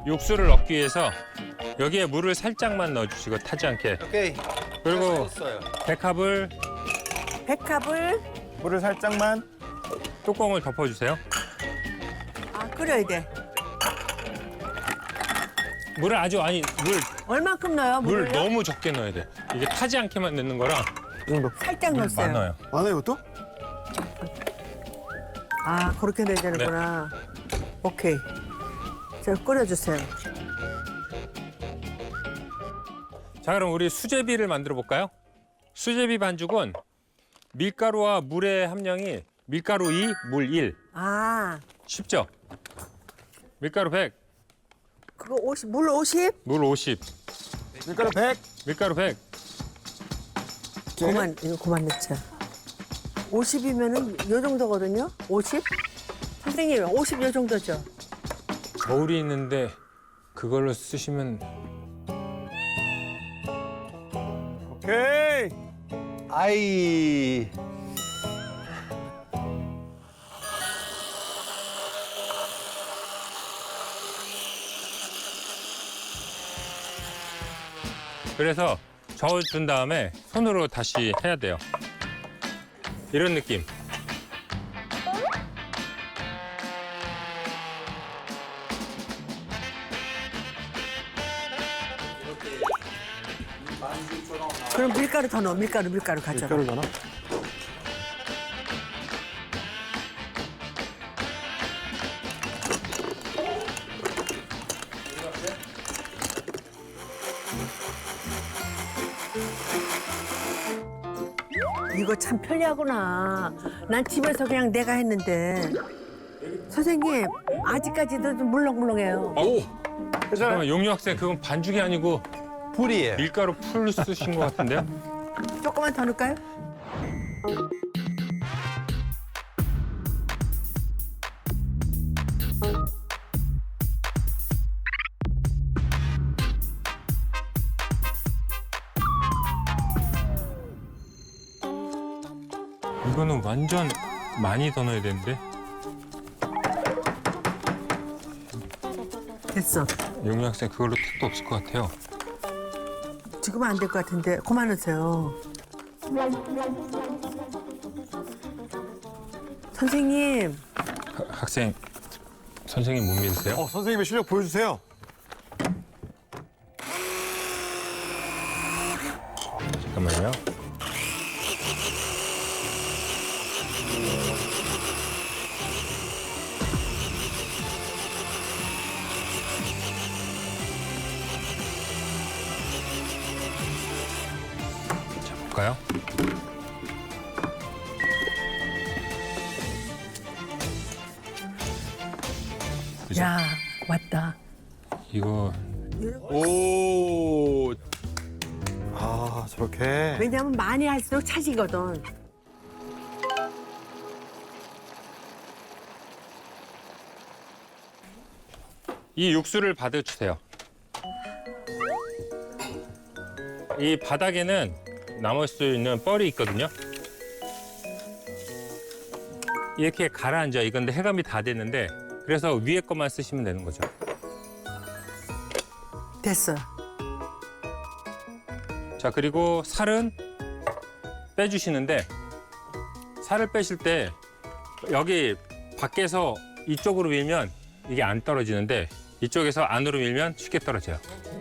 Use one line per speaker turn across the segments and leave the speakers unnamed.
육수를 넣기 위해서 여기에 물을 살짝만 넣어주시고 타지 않게.
오케이.
그리고
했어요.
백합을
백합을
물을 살짝만.
뚜껑을 덮어주세요.
끓여야 돼.
물을 아주 아니
얼만큼 넣어요?
물
물을요?
너무 적게 넣어야 돼. 이게 타지 않게만 넣는 거라
이 정도.
살짝
물
넣었어요.
많아요.
많아요, 이것도?
그렇게 넣어야 되는구나. 오케이. 자, 끓여주세요.
자, 그럼 우리 수제비를 만들어 볼까요? 수제비 반죽은 밀가루와 물의 함량이 밀가루 2, 물 1. 쉽죠? 밀가루 100,
그거 50, 물 50?
물 50.
밀가루 100.
밀가루 100.
이거 그만 넣자. 50이면은 요 정도거든요? 50? 선생님, 50 요 정도죠?
저울이 있는데 그걸로 쓰시면
오케이.
아이.
그래서 저어준 다음에 손으로 다시 해야 돼요. 이런 느낌.
그럼 밀가루 더 넣어. 밀가루 가져.
밀가루 넣나?
이거 참 편리하구나. 난 집에서 그냥 내가 했는데. 선생님, 아직까지도 좀 물렁물렁해요.
잠깐만, 용유 학생 그건 반죽이 아니고
불이에요.
밀가루 풀 쓰신 것 같은데요?
조금만 더 넣을까요?
이거는 완전 많이 더 넣어야 되는데.
됐어.
용유 학생 그걸로 택도 없을 것 같아요.
지금은 안 될 것 같은데. 그만 넣으세요. 선생님,
학생, 선생님 못 믿으세요?
선생님의 실력 보여주세요.
잠깐만요. 자, 볼까요? 그죠?
야, 왔다.
이거
오.
저렇게.
왜냐면 많이 할수록 차지거든.
이 육수를 받아주세요. 이 바닥에는 남을 수 있는 뻘이 있거든요. 이렇게 가라앉아. 이건데 해감이 다 됐는데 그래서 위에 것만 쓰시면 되는 거죠.
됐어.
자, 그리고 살은 빼주시는데 살을 빼실 때 여기 밖에서 이쪽으로 밀면 이게 안 떨어지는데 이쪽에서 안으로 밀면 쉽게 떨어져요.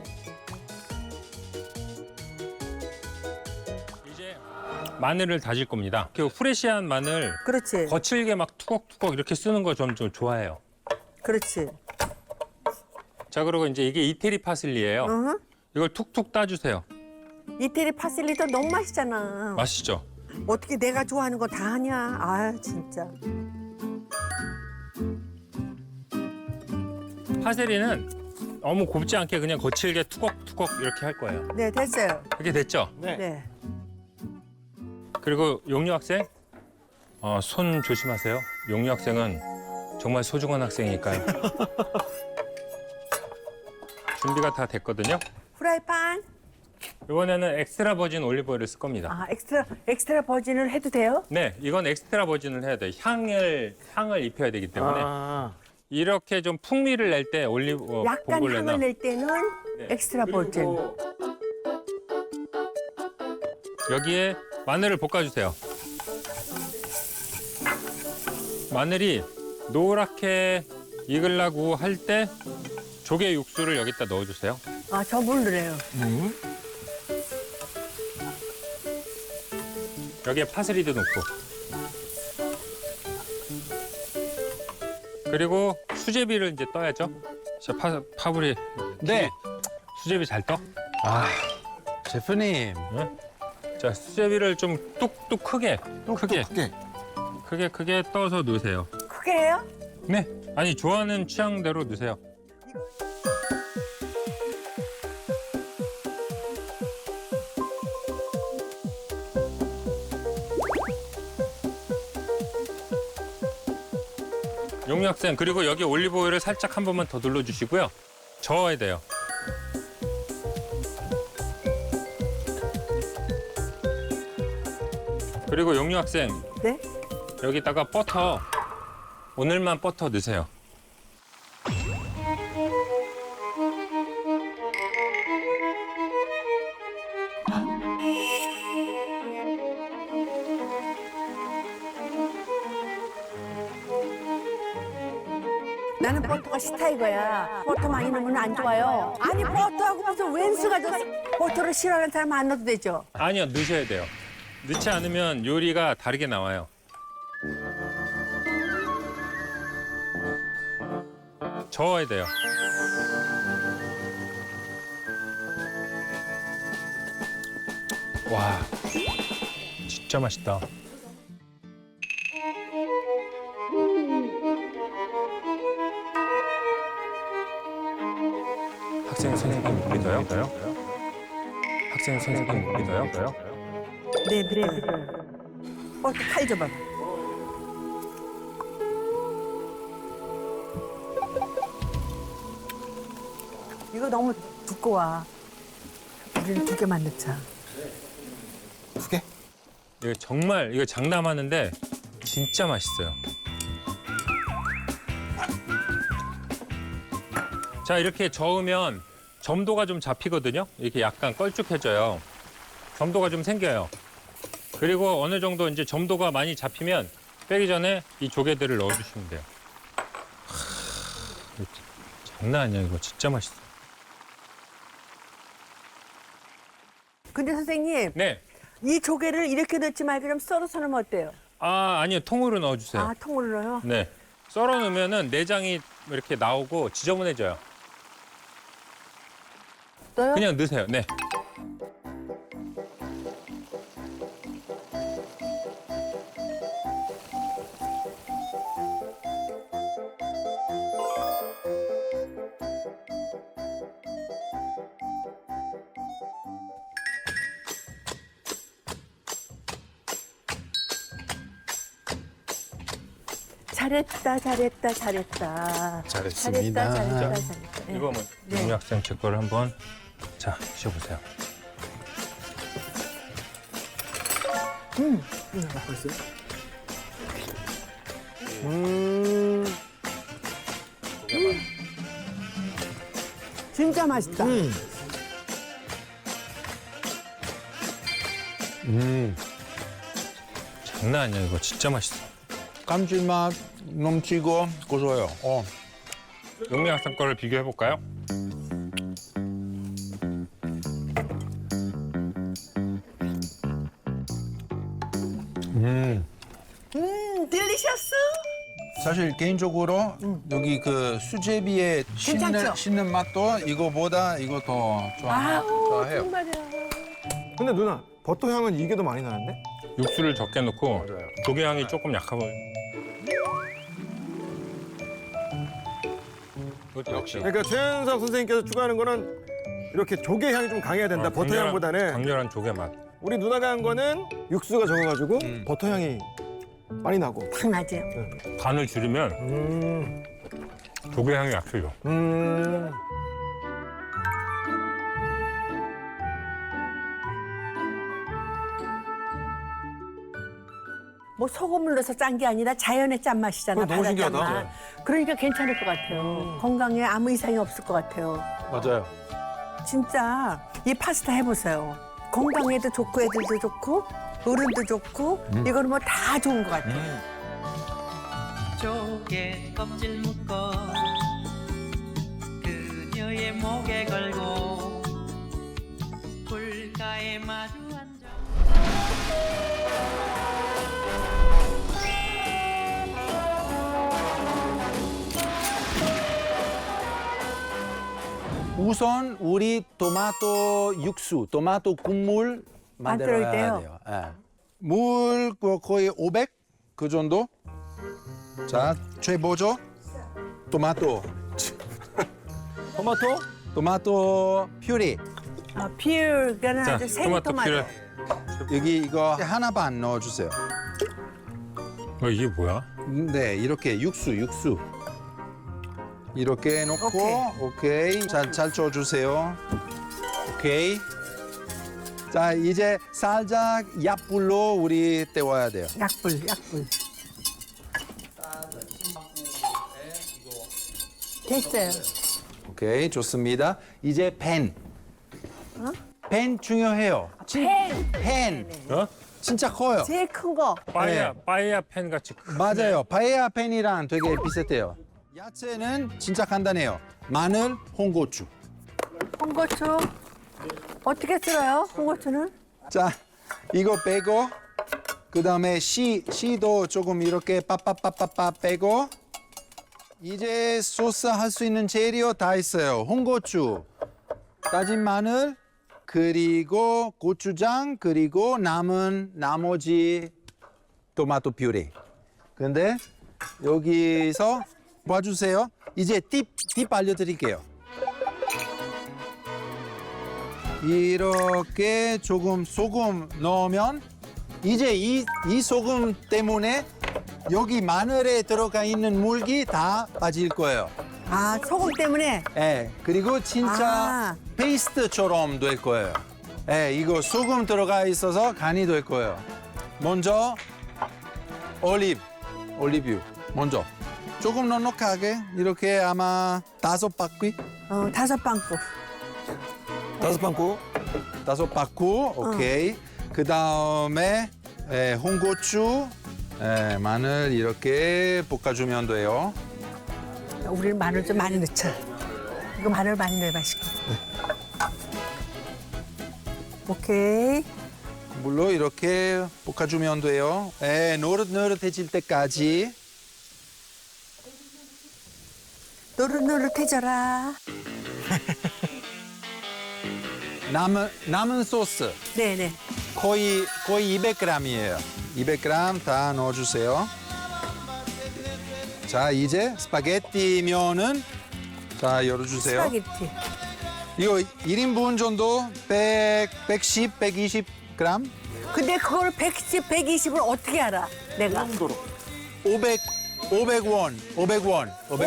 이제 마늘을 다질 겁니다. 그 프레시한 마늘
그렇지.
거칠게 막 투걱투걱 이렇게 쓰는 거 좀 좋아해요.
그렇지.
자, 그리고 이제 이게 이태리 파슬리예요.
어허.
이걸 툭툭 따주세요.
이태리 파슬리도 너무 맛있잖아.
맛있죠?
어떻게 내가 좋아하는 거 다 하냐? 아, 진짜.
파세리는 너무 곱지 않게 그냥 거칠게 투걱투걱 이렇게 할 거예요.
네, 됐어요.
그게 됐죠?
네.
그리고 용유 학생, 손 조심하세요. 용유 학생은 정말 소중한 학생이니까요. 준비가 다 됐거든요.
프라이팬.
이번에는 엑스트라 버진 올리브오일을 쓸 겁니다.
엑스트라 버진을 해도 돼요?
네, 이건 엑스트라 버진을 해야 돼요. 향을 입혀야 되기 때문에. 이렇게 좀 풍미를 낼 때 올리브
약간
봉골레나
향을 낼 때는 엑스트라 버진.
여기에 마늘을 볶아주세요. 마늘이 노랗게 익으려고 할 때 조개 육수를 여기다 넣어주세요.
아, 저 모르래요.
여기에 파슬리도 넣고. 그리고 수제비를 이제 떠야죠. 자, 파브리.
네.
수제비 잘 떠?
아, 셰프님.
자, 수제비를 좀 뚝뚝 크게, 크게,
크게.
크게 떠서 넣으세요.
크게 해요?
네. 아니, 좋아하는 취향대로 넣으세요. 용유 학생, 그리고 여기 올리브 오일을 살짝 한 번만 더 둘러주시고요. 저어야 돼요. 그리고 용유 학생,
네?
여기다가 버터, 오늘만 버터 넣으세요.
나는 버터가 싫다 이거야. 버터 많이 넣으면 안 좋아요. 아니, 버터하고 무슨 웬수가 저 버터를 싫어하는 사람 안 넣어도 되죠?
아니요, 넣으셔야 돼요. 넣지 않으면 요리가 다르게 나와요. 저어야 돼요. 와, 진짜 맛있다. 학생 선생님 믿어요? 학생 선생님 믿어요?
네, 그래. 버터 칼 줘봐. 이거 너무 두꺼워. 우리는 2개만 넣자.
2개?
이거 정말 이거 장담하는데 진짜 맛있어요. 자, 이렇게 저으면 점도가 좀 잡히거든요. 이렇게 약간 걸쭉해져요. 점도가 좀 생겨요. 그리고 어느 정도 이제 점도가 많이 잡히면 빼기 전에 이 조개들을 넣어주시면 돼요. 이거 장난 아니야. 이거 진짜 맛있어.
근데 선생님,
네.
이 조개를 이렇게 넣지 말고 좀 썰어서 넣으면 어때요?
아, 아니요. 통으로 넣어주세요.
아, 통으로 넣어요?
네. 썰어 놓으면은 내장이 이렇게 나오고 지저분해져요.
넣어요?
그냥 넣으세요. 네.
잘했다, 잘했다, 잘했다.
잘했습니다.
잘했다, 잘했다. 네.
이거 뭐 용유 학생 제 거를 한번 자 드셔보세요.
진짜 맛있다.
장난 아니야. 이거 진짜 맛있어.
감칠맛 넘치고 고소해요.
용유 학생 거를 비교해 볼까요?
딜리셔스?
사실 개인적으로 여기 그 수제비의
괜찮죠?
씹는 맛도 이거보다 이거 더
아우,
좋아해요.
정말이야.
근데 누나, 버터 향은 이게 더 많이 나는데?
육수를 적게 넣고 조개 향이 조금 약하 보여. 역시.
그러니까 최현석 선생님께서 추가하는 거는 이렇게 조개 향이 좀 강해야 된다, 버터 향보다는.
강렬한 조개 맛.
우리 누나가 한 거는 육수가 적어가지고 버터 향이 많이 나고.
탁 나지?
간을 줄이면 조개 향이 약해요.
뭐 소금을 넣어서 짠 게 아니라 자연의 짠맛이잖아.
그거 너무
바다
신기하다.
짠맛. 그러니까 괜찮을 것 같아요. 건강에 아무 이상이 없을 것 같아요.
맞아요.
진짜 이 파스타 해보세요. 건강에도 좋고 애들도 좋고 어른도 좋고 이거는 뭐 다 좋은 것 같아요.
조개 껍질 묶어 그녀의 목에 걸고 불가에 마주 앉아
우선 우리 토마토 육수, 토마토 국물 만들어야
만들어야
돼요. 예.
물 거의 500 그 정도. 자, 최보죠. 토마토
토마토?
토마토 퓨리.
아, 비율가는
자,
아주
토마토
생토마토.
퓨레.
여기 이거 하나 반 넣어주세요.
이게 뭐야?
네, 이렇게 육수. 이렇게 넣고 오케이. 잘 쳐주세요. 오케이. 자, 이제 살짝 약불로 우리 데워야 돼요.
약불. 됐어요.
오케이, 좋습니다. 이제 팬. 팬 중요해요. 팬.
어?
진짜 커요.
제일 큰 거.
빠에야 팬 같이
맞아요. 파에야 팬이랑 되게 비슷해요. 야채는 진짜 간단해요. 마늘, 홍고추.
홍고추. 어떻게 쓸어요? 홍고추는?
자, 이거 빼고 그다음에 씨도 조금 이렇게 빠빠빠빠빠 빼고 이제 소스 할 수 있는 재료 다 있어요. 홍고추, 다진 마늘, 그리고 고추장, 그리고 남은 나머지 토마토 퓨레. 근데 여기서 봐주세요. 이제 팁 알려드릴게요. 이렇게 조금 소금 넣으면 이제 이 소금 때문에 여기 마늘에 들어가 있는 물기 다 빠질 거예요.
아, 소금 때문에?
예, 그리고 진짜
아.
페이스트처럼 될 거예요. 예, 이거 소금 들어가 있어서 간이 될 거예요. 먼저 올리브유 먼저 조금 넉넉하게 이렇게 아마 5바퀴
5방울.
5방구?
5바퀴 오케이. 그 다음에 홍고추, 마늘 이렇게 볶아주면 돼요.
우리는 마늘 좀 많이 넣자. 이거 마늘 많이 넣어야 맛있고. 오케이.
물로 이렇게 볶아주면 돼요. 노릇노릇해질 때까지.
노릇노릇해져라.
남은 소스
네네.
거의 200g이에요. 200g 다 넣어주세요. 자, 이제 스파게티 면은 자 열어주세요.
스파게티.
이거 1인분 정도 110, 120g.
근데 그걸 110, 120을 어떻게 알아? 내가.
500원.
500원.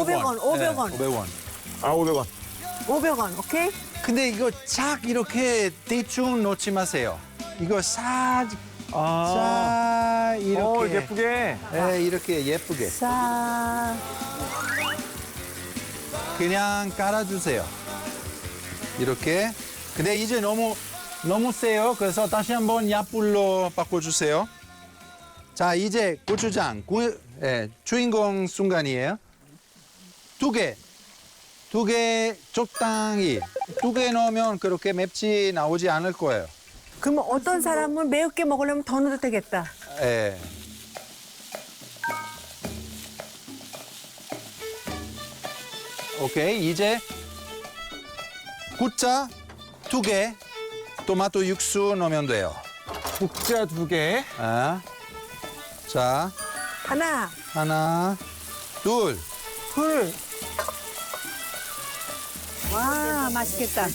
아, 500원.
500원, 오케이?
근데 이거 쫙 이렇게 대충 넣지 마세요. 이거 싹 이렇게
예쁘게.
이렇게 예쁘게
자,
그냥 깔아주세요. 이렇게. 근데 이제 너무 세요. 그래서 다시 한번 약불로 바꿔주세요. 자, 이제 고추장 주인공 순간이에요. 2개 적당히 2개 넣으면 그렇게 맵지 나오지 않을 거예요.
그러면 어떤 사람은 매운게 먹으려면 더 넣어도 되겠다.
예. 오케이, 이제 국자 2개, 토마토 육수 넣으면 돼요.
국자 2개.
자,
하나,
둘.
둘. 와, 맛있겠다.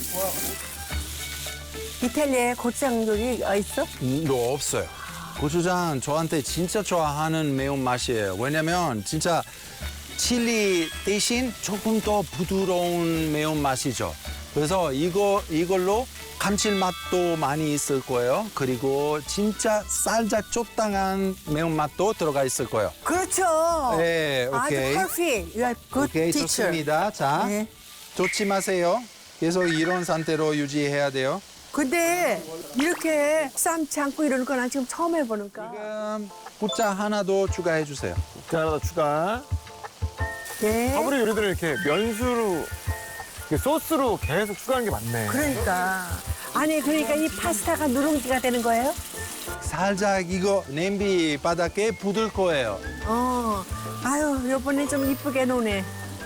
이탈리아에 고추장 요리 있어?
너 없어요. 고추장 저한테 진짜 좋아하는 매운맛이에요. 왜냐면 진짜
칠리 대신 조금 더 부드러운 매운맛이죠. 그래서 이걸로 감칠맛도 많이 있을 거예요. 그리고 진짜 살짝 적당한 매운맛도 들어가 있을 거예요.
그렇죠.
네, 오케이.
아주 perfect. You are good
오케이,
teacher.
좋습니다. 자,
네.
좋지 마세요. 계속 이런 상태로 유지해야 돼요.
근데 이렇게 삶지 않고 이러는 건 난 지금 처음 해보니까.
지금 부짜 하나 더 추가해 주세요.
자, 하나 더 추가.
네.
아무리 요리들은 이렇게 면수로, 이렇게 소스로 계속 추가하는 게 많네.
그러니까. 아니, 그러니까 이 파스타가 누룽지가 되는 거예요?
살짝 이거 냄비 바닥에 붙을 거예요.
아유, 요번에 좀 이쁘게 노네.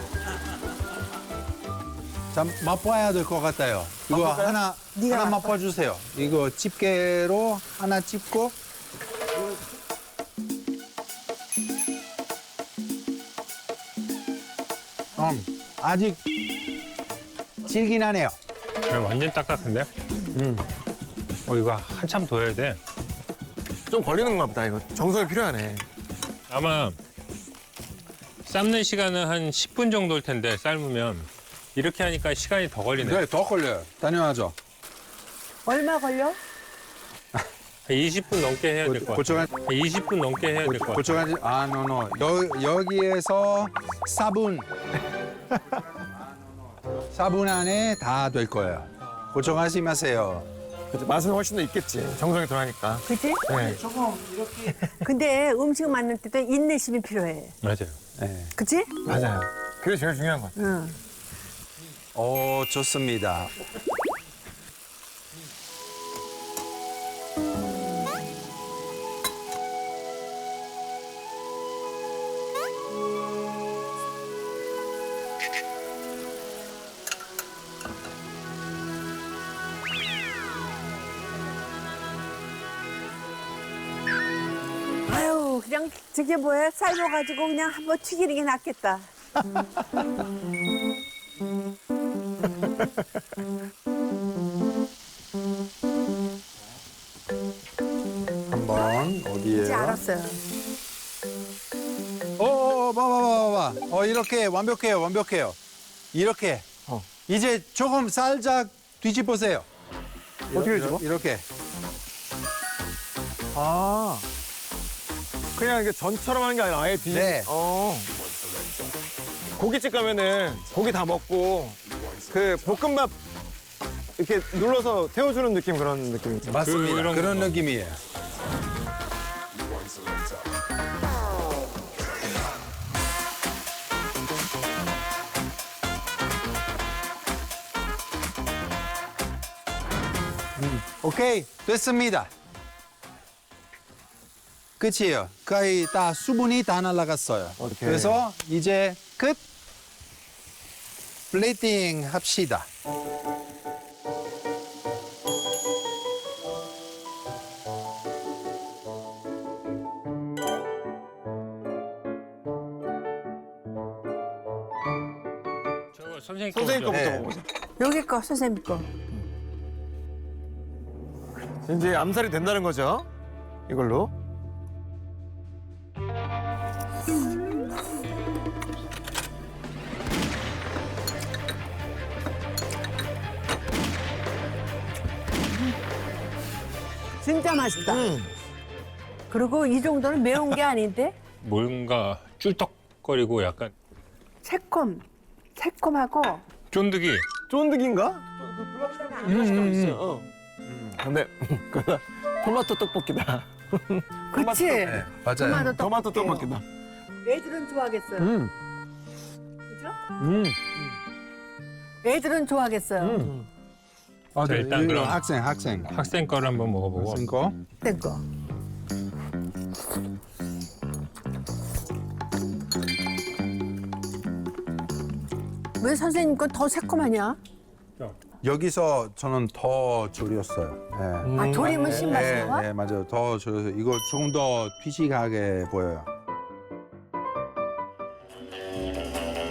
자, 맛봐야 될 것 같아요. 이거
맛볼까요?
하나
네가 맛봐.
맛봐주세요. 이거 집게로 하나 집고. 아직 질긴하네요.
완전 딱딱한데? 이거 한참 둬야 돼.
좀 걸리는가 보다, 이거. 정성이 필요하네.
아마 삶는 시간은 한 10분 정도일 텐데 삶으면 이렇게 하니까 시간이 더 걸리네.
네, 더 걸려요. 당연하죠.
얼마 걸려?
한 20분 넘게 해야 될 것 같아.
고추가
20분 넘게 해야 될 것 같아.
고추가지 노. 여기에서 4분. 4분 안에 다 될 거예요. 걱정하지 마세요.
그치, 맛은 훨씬 더 있겠지. 정성이 들어가니까.
그치?
네.
근데 음식 만들 때도 인내심이 필요해.
맞아요.
네.
그치?
맞아요. 그게 제일 중요한 것 같아요.
응.
좋습니다.
아유, 그냥 저게 뭐야? 삶아가지고 그냥 한번 튀기는 게 낫겠다.
한번
이제
어디에요?
알았어요.
봐봐. 이렇게 완벽해요. 이렇게. 이제 조금 살짝 뒤집으세요.
어떻게 뒤집어?
이렇게.
아. 그냥 이게 전처럼 하는 게 아니라 아예 뒤.
네.
고깃집 가면은 고기 다 먹고 그 볶음밥 이렇게 눌러서 태워주는 느낌 그런 느낌이죠.
맞습니다.
그런
그런
거.
느낌이에요. 오케이, 됐습니다. 끝이에요. 거의 다 수분이 다 날아갔어요.
오케이.
그래서 이제 끝. 플레이팅 합시다.
저거 선생님
선생님
거죠?
거부터
네.
먹어보자.
여기 거, 선생님 거.
이제 암살이 된다는 거죠. 이걸로.
진짜 맛있다. 그리고 이 정도는 매운 게 아닌데?
뭔가 쫄떡거리고 약간
새콤하고.
쫀득이.
쫀득인가? 근데 그거다. 토마토 떡볶이다.
그치?
네, 맞아요.
토마토 떡볶이다.
애들은 좋아하겠어요. 그죠? 애들은 좋아하겠어요.
아,
자,
네,
일단
이거
그럼
학생.
학생 거를 한번 먹어보고.
학생 거.
된 거. 왜 선생님 건 더 새콤하냐?
여기서 저는 더 졸였어요. 네.
아, 조림은 신맛인 거야?
네, 맞아요. 더 졸여서 이거 조금 더 피식하게 보여요.